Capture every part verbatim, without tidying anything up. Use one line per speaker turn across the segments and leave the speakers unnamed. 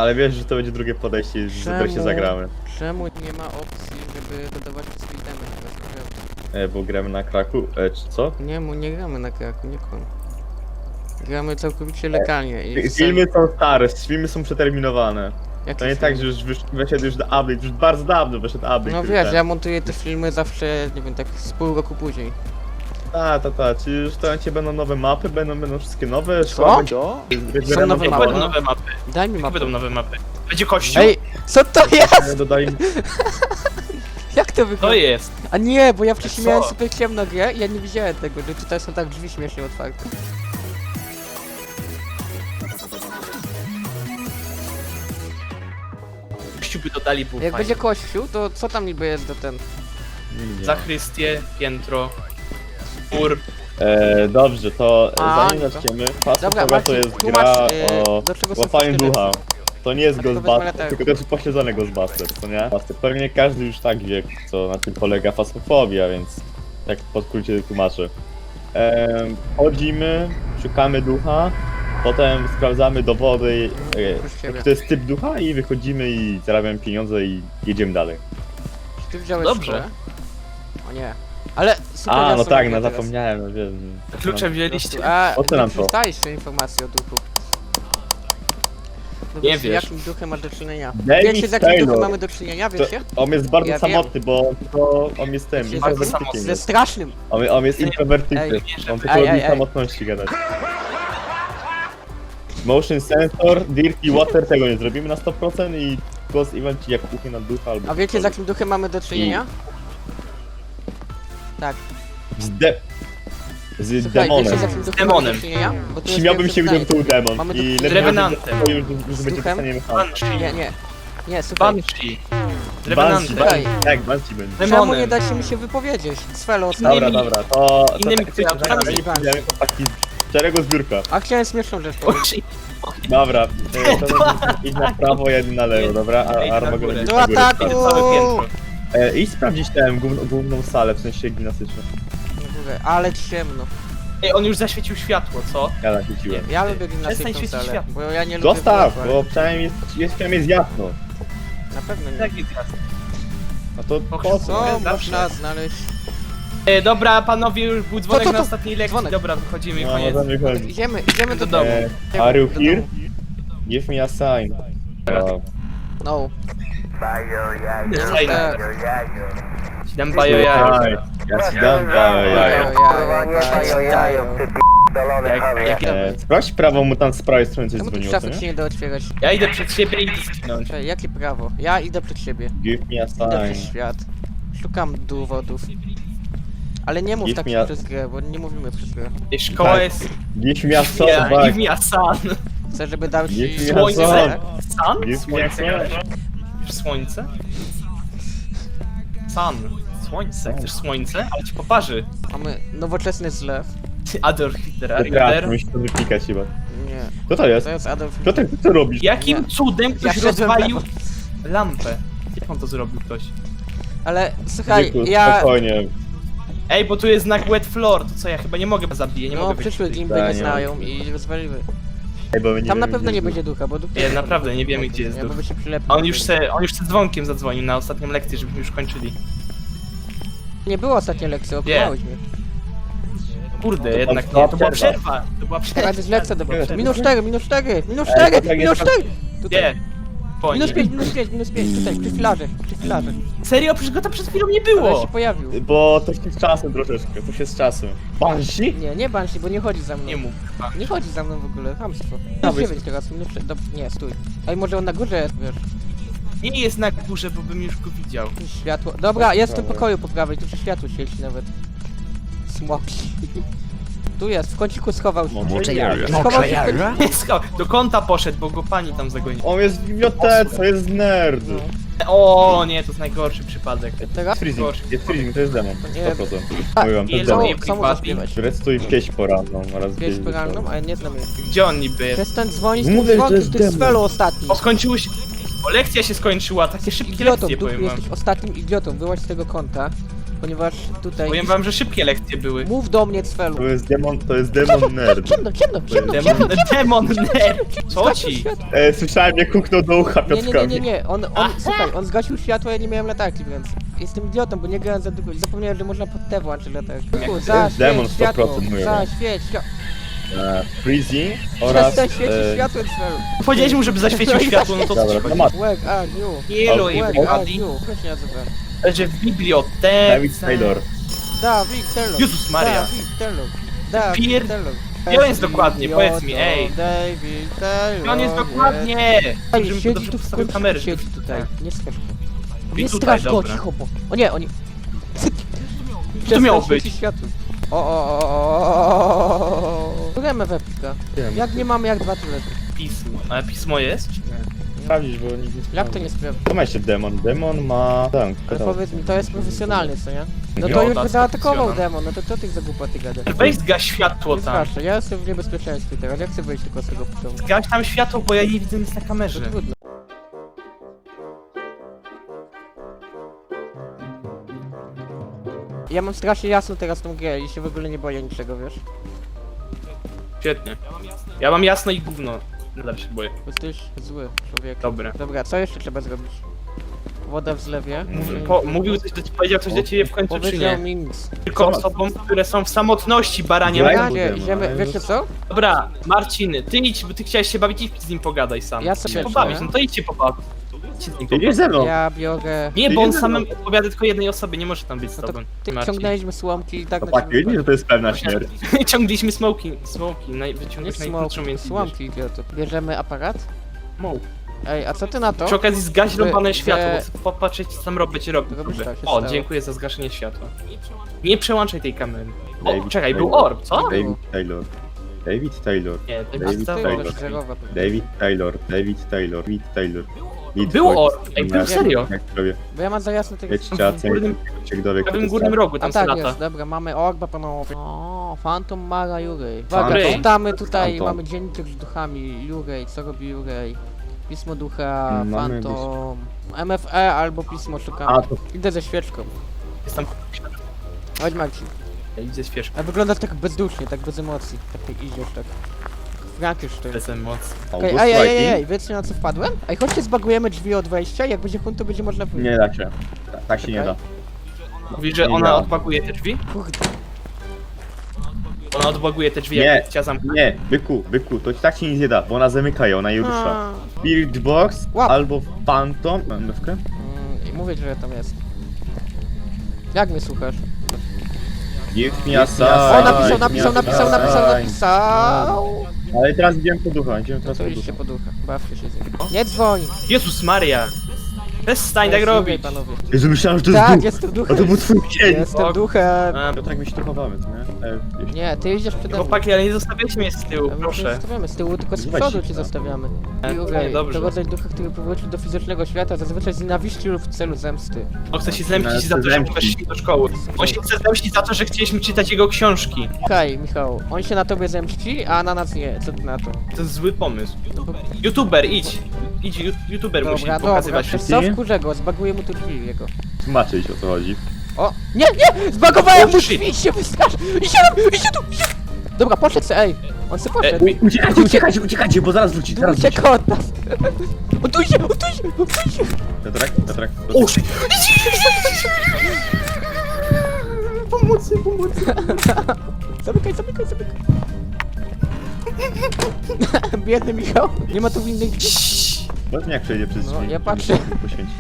ale wiesz, że to będzie drugie podejście, z którym się zagramy.
Czemu nie ma opcji, żeby dodawać speedemy na
E, bo gramy na kraku, e, czy co?
Nie, mu nie gramy na kraku, nie kłam. Gramy całkowicie legalnie i...
Filmy są stare, filmy są przeterminowane.
Jaki
To nie
film?
tak, że już wysz, wyszedł już update, już bardzo dawno wyszedł update.
No wiesz, ja montuję te filmy zawsze, nie wiem, tak z pół roku później.
Ta, ta, ta, czyli już to cię będą nowe mapy, będą, będą wszystkie nowe,
Co?
Co?
Są nowe
Jak
mapy?
będą nowe mapy?
Daj mi
Jak
mapę.
będą nowe mapy? Będzie kościół?
Ej, co to jest?
Dodali...
Jak to
To
wygląda?
jest!
A nie, bo ja wcześniej
Co?
miałem super ciemno grę i ja nie widziałem tego, że tutaj są tak drzwi śmiesznie otwarte.
Kościół by dodali był
Jak
fajny.
będzie kościół, to co tam niby jest do ten?
Nie.
Zachrystie, piętro, mur.
E, dobrze, to
A,
zanim
to-
zaczniemy, Fast
Dobra,
Forward to
Marcin,
jest
tłumacz,
gra
e,
o
do czego są
łapaniu
sztyletki.
ducha. To nie jest
A tylko
Ghostbuster,
wezmę
tylko to jest upośledzony Ghostbuster, co nie? Pewnie każdy już tak wie, co na tym polega fasmofobia, więc tak po skrócie tłumaczę. Ehm, chodzimy, szukamy ducha, potem sprawdzamy dowody, e,
Proszę ciebie.
jaki to jest typ ducha i wychodzimy i zarabiamy pieniądze i jedziemy dalej.
Czy ty wziąłeś
Dobrze.
szkołę? O nie. Ale super,
A,
ja
no
sobie
tak,
mówię
no
teraz.
zapomniałem, no wiem.
Klucze
Po
wzięliście?
prostu. A,
Po co nam
ty
to?
dostałeś jeszcze informacje o duchu. No
Nie
wiecie,
wiesz.
jakim duchem masz do czynienia?
David
Wiecie, z jakim
Taylor.
duchem mamy do czynienia,
To,
wiecie?
on jest bardzo
Ja wiem.
samotny, bo to on jest tym,
Wiecie,
introwertykiem
Ze
jest.
strasznym.
On, on jest introwertykiem,
Ej,
on tylko
ej,
lubi
ej, ej.
samotności gadać. Motion sensor, dirty water, tego nie zrobimy na sto procent i ghost event ci jak kuchnie na ducha albo...
A wiecie, z jakim duchem mamy do czynienia? Tak.
Z de... Z
Słuchaj,
demonem.
wiecie, z jakim duchem
demonem.
mamy do czynienia? Bo tu jest
Śmiałbym
pierwsze
się, gdybym
pytanie.
to był demon
Mamy
i
tu-
lepiej
Z Revenantem.
będzie- już, już
Z
będzie
duchem?
pisanie mechaniki.
Banshee.
Nie, nie. Nie, słuchaj.
Banshee.
Banshee,
Revenantem.
Słuchaj.
Banshee, tak, Banshee będzie.
Czemu
Demonem.
nie dacie mi się wypowiedzieć? Sfelo,
Innymi-
Dobra, dobra, to... to
innymi
tak,
kreaturami
tak,
z Banshee.
idziemy po taki szczerego zbiórka.
A chciałem śmieszną rzecz powiedzieć.
Oczy.
Dobra, to, to idź na prawo, jeden na lewo, dobra?
Idź
A
na
Armagedon
górę.
idzie
Do
na górę.
ataku!
Całe piętro.
E, idź sprawdzić tę główną, główną salę, w sensie gimnastyczną.
Na górę, ale ciemno.
Ej, on już zaświecił światło, co?
Ja naświeciłem.
Ja lubię
Przestań
gimnastyczną
świecić
salę,
światło.
bo ja nie lubię
Zostaw,
błędu,
bo przynajmniej jest, jest, przynajmniej jest jasno.
Na pewno nie.
Tak jest jasne.
No to
Och,
po co?
Co
Zawsze.
można znaleźć?
E, dobra, panowie, już był dzwonek
to, to?
na ostatniej lekcji.
Dzwonek.
Dobra, wychodzimy i
No,
koniec.
możemy chodzić.
Idziemy, idziemy do
Do
domu.
domu.
E, are you
Do
here?
domu.
Give me a sign. O,
No.
Ej,
Tak.
ci dam bajo jajo.
Słuchaj, ja ci dam bajo jajo.
Jajo, jajo.
Jak, jak ja,
E, sprawdź prawo, mu tam z prawej strony coś
Czemu tu
dzwoniło, co
szafy się
nie?
nie da otwierać?
ja idę przed siebie i idę zginąć.
Czekaj, jakie prawo? Ja idę przed siebie.
Give me a
Idę przez
sign.
świat. Szukam dowodów. Ale nie mów
Give
tak
me a-
przez grę, bo nie mówimy przez grę.
Ej, szkoła
Tak.
jest...
Give me a
Give me a-
sign.
give me a sun.
Chcę, żeby dał ci...
Give me a
Słońce?
sign.
Sun?
Give me a
Słońce.
sign.
Chcesz słońce? Sun. Słońce. Chcesz słońce? Ale ci poparzy.
Mamy nowoczesny zlew.
Adolf Hitler,
Dobra,
Hitler.
musi to wypikać chyba.
Nie.
Co to jest?
To jest Adolf
Piotr, co ty robisz?
Jakim
Nie.
cudem ktoś
Ja szedłem
rozwalił
lewo.
lampę? Jak on to zrobił ktoś?
Ale słuchaj,
Dziku,
ja...
Spokojnie.
Ej, bo tu jest znak wet floor, to co ja chyba nie mogę zabiję, nie
No,
mogę być.
przyszły gimby
Tak,
nie
nie
znają i rozwaliły.
Ej, bo my nie
Tam na
wiemy,
pewno
gdzie
nie
jest
będzie ducha, bo duch...
Nie, naprawdę nie wiemy, gdzie jest
Nie,
duch.
bo by się przylepił.
A on już se, on już se dzwonkiem zadzwonił na ostatnią lekcję, żebyśmy już kończyli.
Nie było ostatniej lekcji, okłamałeś mnie.
Kurde,
To
jednak
była
nie, to była
przerwa.
przerwa. To była przerwa.
Teraz zlecę do
Przerwa.
Minus cztery, minus cztery, minus
Ej,
cztery,
to tak
minus
jest-
cztery! Tutaj.
Nie. Po
Minus
nim.
pięć, minus pięć, minus pięć, tutaj, przy filarze, przy filarze.
Serio? Przecież go tam przed chwilą nie
Ale się
było.
pojawił.
Bo to się z czasem troszeczkę, to się z czasem. Banshee?
Nie, nie Banshee, bo nie chodzi za mną.
Nie mów. A.
Nie chodzi za mną w ogóle, hamstwo.
A,
Minus
wy-
dziewięć teraz, minus sześć, dob- nie, stój. Ej, może on na górze jest, wiesz,
Nie jest na górze, bo bym już go widział.
światło. Dobra, jest w tym
Dobra.
pokoju po prawej, tu się światło świeci nawet. Smoki. Tu jest, w kąciku schował się.
Może ja.
Schował się w kąciku.
Nie, sko- do kąta poszedł, bo go pani tam zagoniła.
On jest w bibliotece, jest nerd.
No.
O nie, to jest najgorszy przypadek.
Teraz?
Jest freezing, jest freezing, to jest demon.
Nie.
sto procent.
A,
Mówiłam, to jest
Yellow
demon.
Co, co mu zaśpiewać?
Restuj pieśń poranną oraz
Pieśń poranną, a ja nie znam jej.
Gdzie on niby jest?
Przestań dzwonić tym
Mówię, że to
dzwonkiem,
jest
to jest
demon.
spelu ostatni.
O, skończyło się... O, lekcja się skończyła, takie szybkie
Idiotą,
lekcje,
duchu,
powiem wam.
jesteś ostatnim idiotą, wyłaź z tego konta. ponieważ tutaj...
Powiem wam, że szybkie lekcje były.
Mów do mnie, Cfelu.
To jest demon, to jest demon nerd.
Ciemno, ciemno, ciemno,
Demon,
ciemno,
demon nerd! Co
Zgasił
ci?
światło.
E, słyszałem, jak huknął do ucha
Nie, nie, nie,
Piotrkowi.
nie, nie, on, on, słuchaj, on zgasił światło, ja nie miałem latarki, więc jestem idiotą, bo nie grałem za długo i zapomniałem, że można pod te włączyć latarkę.
jest demon
Zaświeć światło,
sto procent mówię.
zaświeć światło,
E, Freezing oraz...
przestań świecić
e,
światłem, Cfelu.
Powiedziałeś mu, żeby zaświecił światło, no to co
Dobra,
ci
to
chodzi?
ma
Where are you?
Hello
Where
Where are
everybody.
you? Proszę nie nazywa.
Że w bibliotece...
David Taylor.
Dawid Taylor.
Jezus Maria.
Dawid Taylor. Dawid
Pier-
Taylor.
Gdzie on jest dokładnie? Powiedz mi, ej.
David Taylor.
On jest dokładnie!
Ej,
Żebym
siedzi
dobrze
tu w
postawił
końcu,
kamerę.
siedzi tutaj. Nie strasz go.
I
Nie
tutaj,
strasz go,
dobra.
cicho, bo... O nie, oni...
To miało
Przestań
być.
świecić światło. O, o, o, o, o. Gramy w Epika.
Wiem.
Jak nie mamy, jak dwa tulety.
Pismo. Ale pismo jest? Czy nie?
Sprawdzić, bo nikt nie
Jak to nie sprawdza?
To ma jeszcze demon. Demon ma... Tam,
Ale
katalog.
powiedz mi, to jest profesjonalny, co nie? No
Nie,
to
o,
już
tak,
by zaatakował
profesjonal.
demon, no to co ty za głupoty gadasz?
Weź zgaś światło
Nie
tam.
straszę, ja jestem w niebezpieczeństwie teraz, ja chcę wyjść tylko z tego pociągu.
Zgaś tam światło, bo ja nie widzę nic na
To
kamerze.
trudno. Ja mam strasznie jasno teraz tą grę i się w ogóle nie boję niczego, wiesz?
Świetnie. Ja mam jasno i gówno. Nadal się boję.
Jesteś zły człowiek.
Dobra.
Dobra, co jeszcze trzeba zrobić? Woda w zlewie.
Mówię,
Po, mówił coś do, powiedział coś do ciebie w końcu, czy
Powiedział
nie?
mi nic.
Tylko osobom, które są w samotności, baranie.
Ja-
Ja
Daj
nie,
mu
idziemy,
demo,
wiecie co?
Dobra, Marcin, ty idź, bo ty chciałeś się bawić, idź z nim pogadaj sam.
Ja
Idź się
sobie
pobawić,
lecę.
no to idź się pobawić. Idź się z nim
Ty idziesz
pobawić.
ze mną.
Ja biorę...
Nie,
Ty
bo on
idziesz ze
samym
mną.
odpowiada tylko jednej osobie, nie może tam być z
No to
tobą.
ty
Marcin.
ciągnęliśmy słomki i tak
Chłopaki, widzisz, że to jest pewna śmierć.
Ciągliśmy smoki, smoki, naj,
Nie
wyciągłeś
słomki,
najkrótszą, więc
słomki idioto. Bierzemy aparat?
Smoke.
Ej, a co ty na to?
Przy okazji zgaś
Wy-
rąbane
wy-
światło, bo chcę popatrzeć co tam robić robi.
Robisz tak, się
O,
stało.
dziękuję za zgaszenie światła. Nie przełączaj tej kamery. O,
David
czekaj, był
Taylor.
orb, co?
David Taylor. David Taylor.
Nie, to
David
jest
To
Taylor.
już zerowa.
David Taylor. David Taylor. David Taylor. Lead
Był
voice.
orb, ej, był
Jak-
serio.
Jak robię?
Bo ja mam za jasno tego...
Jedź ciacę,
górnym-
ciek dowiek.
W prawym górnym rogu
A
tam
tak
lata.
jest, dobra, mamy orba panowie. O, Phantom Mara Jurej.
Phantom.
Uwaga, czytamy tutaj,
Phantom.
mamy dzienniczek z duchami. Jurej, co robi Jurej? Pismo ducha,
Mm, mamy
Phantom... M F E albo pismo szukamy.
A, to
Idę ze świeczką.
Jest tam...
Chodź Marcin.
Ja idę świeżko,
A wygląda tak bezdusznie, tak bez emocji. Tak jak idziesz, tak. Frankenstein.
bez emocji.
Okej,
August
ej, ej, ej,
Viking?
ej, wiecie na co wpadłem? Ej, chodźcie zbagujemy drzwi od wejścia, jak będzie hunt, to będzie można wyjść.
Nie da się. Ta- Tak się nie da.
Mówi, że
Nie
ona
da.
odbaguje te drzwi?
Kurde.
Ona odbaguje te drzwi,
Nie.
jak chciała zamknąć.
Nie, byku, byku, to tak się nic nie da, bo ona zamyka je, ona je rusza.
A.
Spirit Box
Łap.
albo Phantom. Mówkę?
Mm, I mówię, że tam jest. Jak mnie słuchasz?
Give me a sign.
O, napisał,
give me
napisał,
a
napisał,
sign.
napisał, napisał!
Ale teraz idziemy po ducha, idziemy
No
teraz
to
po
idźcie
ducha.
po ducha, bawcie się z nim. Nie dzwoń!
Jezus Maria! Przestań tak
Jest
robić!
Jurej, panowie.
Jezu, myślałem, że to jest
Tak,
duch.
jestem
A
duchem.
to był twój cień.
Jestem duchem.
A,
To tak my się tu chowamy, co nie? E, jeśli-
Nie, ty idziesz przede mną.
Chłopaki, ale nie zostawiajcie mnie z tyłu,
A my cię
proszę.
zostawiamy z tyłu, tylko z
Zobacz
przodu
się,
cię
tak.
zostawiamy.
E,
Jurej,
dobrze.
to rodzaj ducha, który powrócił do fizycznego świata, zazwyczaj z nienawiści lub w celu zemsty.
On chce się zemścić
Ale
za to, że
zemścić.
weszli do szkoły. On się chce zemścić za to, że chcieliśmy czytać jego książki.
Słuchaj, Michał, on się na tobie zemści, a na nas nie. Co ty na to?
To jest zły pomysł.
No bo...
YouTuber, idź! Idź, ju- YouTuber musi
Dobra, dobra,
pokazywać
wiesz
wszystkim.
co, wkurzę go, zbaguję mu tu drzwi jego.
Tłumaczyć o co chodzi.
O! Nie, nie! Zbagowałem
Oh,
mu
shit.
drzwi, się wystrasz! Idzie tam, idzie tu, idzie! Dobra, poszedł se, ej! On se poszedł.
E,
Uciekajcie, uciekajcie, uciekajcie, bo zaraz wróci, zaraz wróci.
Ucieka od nas! On tu idzie, on tu idzie, on tu idzie!
Piotrek, Piotrek.
O, shit! Pomocy, pomocy!
Zamykaj, zamykaj, zamykaj! Biedny Michał, nie ma tu innych drzwi.
Powiedz mi jak przejdzie przez
No,
drzwi.
ja patrzę.
Poświęci.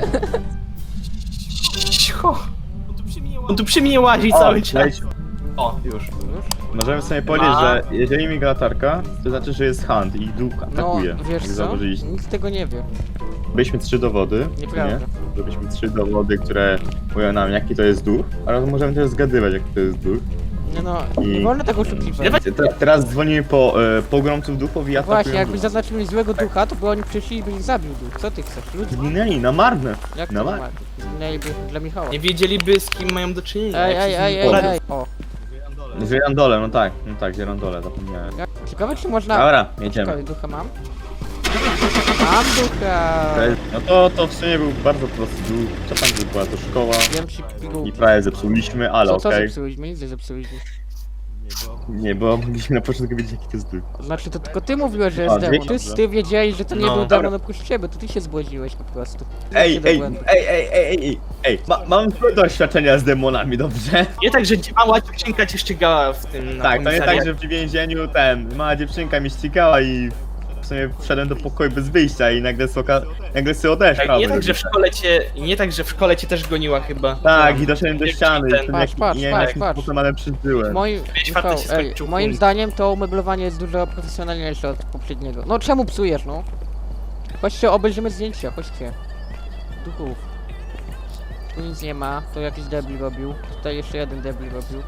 Cicho! On tu przy mnie łazi
O,
cały czas.
wejdź.
O, już.
Już?
Możemy sobie powiedzieć,
Ma.
że jeżeli miga latarka, to znaczy, że jest hunt i duch
No,
atakuje.
wiesz
jak
co?
zauważyliście.
Nikt tego nie wie.
Byliśmy trzy dowody,
Nieprawda.
nie? Byliśmy trzy dowody, które mówią nam jaki to jest duch, ale możemy też zgadywać jaki to jest duch.
Nie no,
I-
nie wolno tego oszukiwać.
Dawaj.
Te- Teraz dzwonimy po e, pogromców duchów i atakują
Właśnie, jakbyś
ducha.
zaznaczył mi złego ducha, to by oni przyszli i by ich zabił duch. Co ty chcesz? Ludzie,
Zginęli na marne.
jak
No
to
ma-
ma? Zginęliby dla Michała.
Nie wiedzieliby z kim mają do czynienia.
Ej,
jak się
ej,
z
ej,
nimi
ej,
poradzić.
ej. O,
Żyrandole, no tak, no tak, żyrandole, zapomniałem.
jak- ciekawe czy można...
Dobra, jedziemy.
Czekaj, ducha mam. Mam ducha!
No to, to w sumie był bardzo prosty dół. Co tam by była to szkoła?
Wiem ci
I
pigułki.
prawie zepsuliśmy, ale
Co, co
okej.
zepsuliśmy? Nic nie zepsuliśmy.
Nie, bo mogliśmy na początku wiedzieć jaki to jest dół.
Znaczy to tylko ty mówiłeś, że
A,
jest demon. Ty,
wiecie, że-
ty wiedziałeś, że to nie
No.
był demon oprócz ciebie, to ty się zbłodziłeś po prostu.
Ej,
Idźcie do
ej,
błędu.
ej, ej, ej, ej, ej, ma, mam złe doświadczenia z demonami, dobrze?
Nie tak, że mała dziewczynka cię ścigała w tym na
Tak, to nie tak,
komisariacie.
że w więzieniu ten, mała dziewczynka mnie ścigała i w sumie wszedłem do pokoju bez wyjścia i nagle soka, nagle sobie odeszła.
Tak, nie tak, że w szkole cię, nie tak, że w szkole cię też goniła chyba.
Tak, i doszedłem do
Jak
ściany
ten-
i tym
Patrz,
jak,
patrz,
nie wiem
patrz,
jakim
patrz.
sposobem, ale przeżyłem.
Moim,
Pięć
Michał,
wartości
ej,
skończył
moim
punkt.
zdaniem to umeblowanie jest dużo profesjonalniejsze od poprzedniego. No czemu psujesz, no? Chodźcie, obejrzymy zdjęcia, chodźcie. Duchów. Tu nic nie ma, to jakiś debil robił. Tutaj jeszcze jeden debil robił.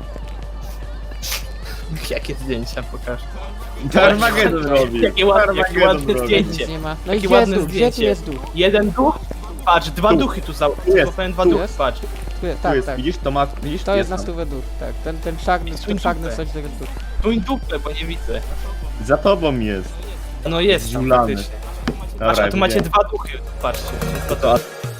Jakie zdjęcia, pokaż.
Armagedon robi.
Jakie ładne, jakie
Armagedon
ładne
robi.
zdjęcie.
Nic nie ma. No i
Jakie
gdzie jest
ładne
duch? Gdzie tu
zdjęcie.
jest duch?
Jeden duch? Patrz, dwa
Tu.
duchy tu za...
jest,
powiem dwa
tu
duchy,
jest.
patrz.
Tu jest,
Tu
tak,
jest,
tak.
widzisz, to ma, widzisz,
To jest na
tam.
stówę duch, tak. Ten, ten czarny,
Jest
ten czarny
dupę.
coś to jest duch.
Tu i dupę, bo nie widzę.
Za tobą jest.
No jest tam
Zdziulany.
faktycznie.
Dobra,
Patrz, a tu macie
widziałem.
dwa duchy, patrzcie.
To, to,